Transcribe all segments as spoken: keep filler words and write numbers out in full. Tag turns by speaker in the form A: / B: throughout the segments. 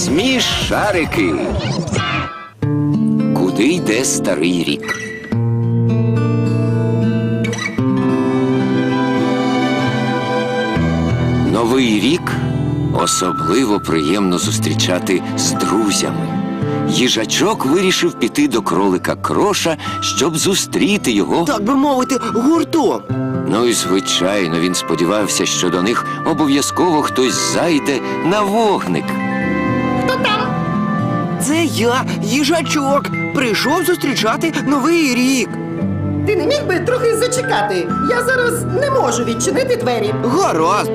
A: Смішарики. Куди йде старий рік? Новий рік особливо приємно зустрічати з друзями. Їжачок вирішив піти до кролика Кроша, щоб зустріти його.
B: Так би мовити, гуртом.
A: Ну і звичайно, він сподівався, що до них обов'язково хтось зайде на вогник.
C: Хто там?
B: Це я, їжачок, прийшов зустрічати Новий рік.
C: Ти не міг би трохи зачекати? Я зараз не можу відчинити двері.
B: Гаразд.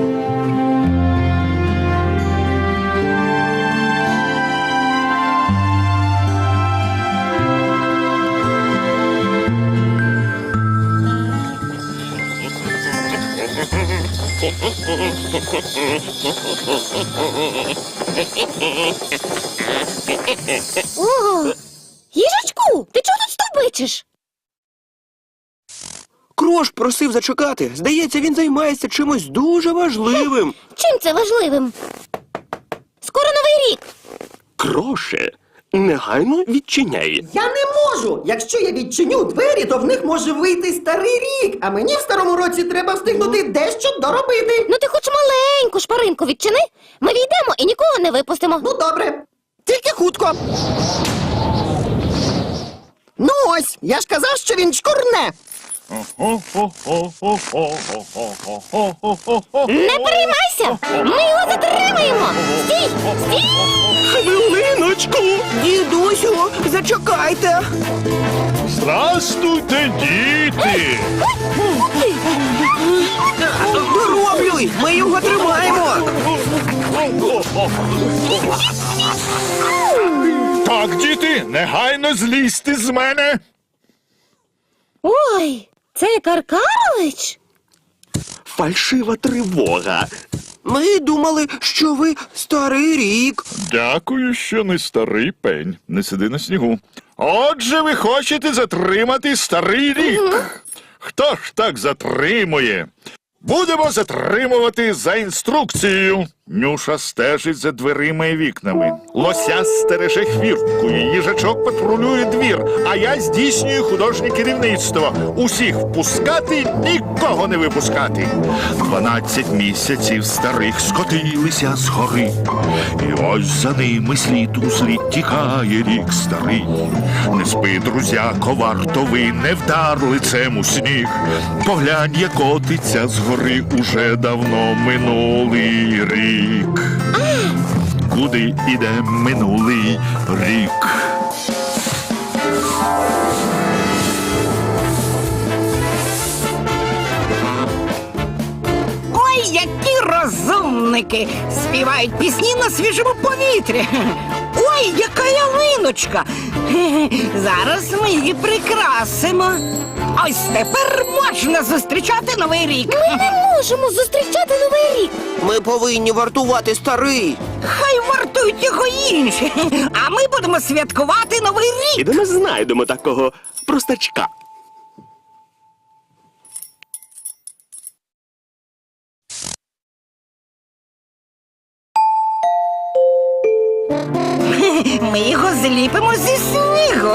D: Ого! Їжачку, ти чого тут стовбичиш?
B: Крош просив зачекати. Здається, він займається чимось дуже важливим.
D: Чим це важливим? Скоро Новий рік.
E: Кроше, негайно відчиняй.
C: Я не можу! Якщо я відчиню двері, то в них може вийти старий рік, а мені в старому році треба встигнути дещо доробити.
D: Ну ти хоч маленьку шпаринку відчини. Ми війдемо і нікого не випустимо.
C: Ну, добре. Тільки хутко. Ну ось, я ж казав, що він чкурне.
D: Не переймайся! Ми його затримаємо! Стій! Стій!
E: Хвилиночку!
B: Дідусю, зачекайте.
E: Здрастуйте, діти!
B: Дороблюй, ми його тримаємо.
E: Так, діти, негайно злізьте з мене!
D: Ой, це Каркарович?
E: Фальшива тривога.
B: Ми думали, що ви Старий рік.
E: Дякую, що не старий пень. Не сиди на снігу. Отже, ви хочете затримати старий рік. Хто ж так затримує? Будемо затримувати за інструкцією. Нюша стежить за дверима і вікнами. Лося стереже хвірткою, їжачок патрулює двір, а я здійснюю художнє керівництво. Усіх впускати, нікого не випускати. Дванадцять місяців старих скотилися з гори. І ось за ними слід у слід тікає рік старий. Не спи, друзяко, варто ви не вдар лицем у сніг. Поглянь, як котиться з гори уже давно минулий рік. Куди іде минулий рік?
F: Ой, які розумники! Співають пісні на свіжому повітрі. Ой, яка ялиночка! Зараз ми її прикрасимо. Ось тепер можна зустрічати Новий рік.
D: Ми не можемо зустрічати Новий рік.
B: Ми повинні вартувати старий.
F: Хай вартують його інші, а ми будемо святкувати Новий рік.
E: Ідемо знайдемо такого простачка.
F: Ми його зліпимо зі снігу.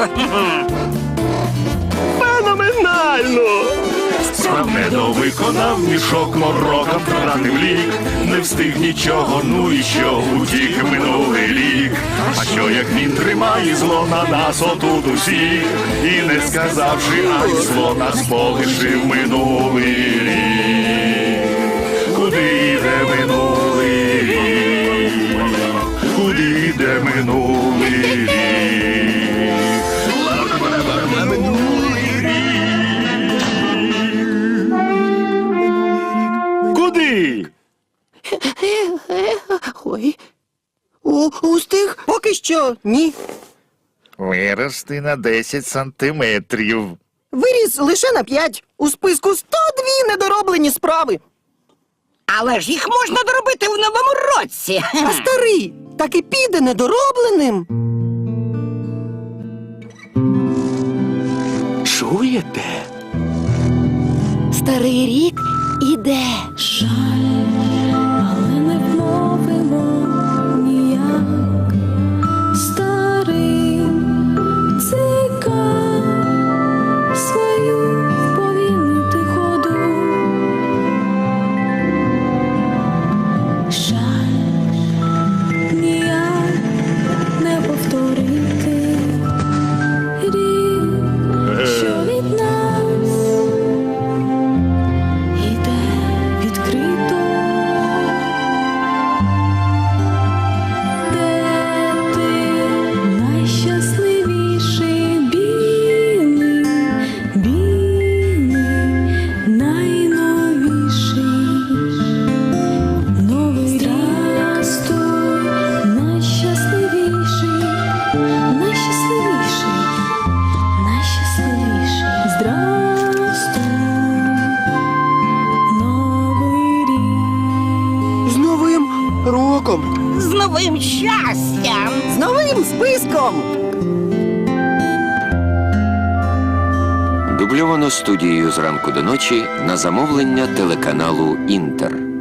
E: Феноменально! Справедливо виконав мішок, мороком втратив лік. Не встиг нічого, ну і що, утік минулий рік. А що як він тримає зло на нас отут усіх, і не сказавши, ай, зло нас полишив минулий рік. Куди йде минулий рік? Куди йде минулий рік? Куди?
B: Ой. У, устиг?
C: Поки що ні.
E: Вирости на десять сантиметрів.
C: Виріс лише на п'ять. У списку сто дві недороблені справи.
F: Але ж їх можна доробити в новому році.
C: А старий так і піде недоробленим.
E: Чуєте?
D: Старий рік іде.
G: Жаль, але не вмовимо ніяк.
B: роком.
F: З новим щастям!
C: З новим списком.
A: Дубльовано студією «Зранку до ночі» на замовлення телеканалу «Інтер».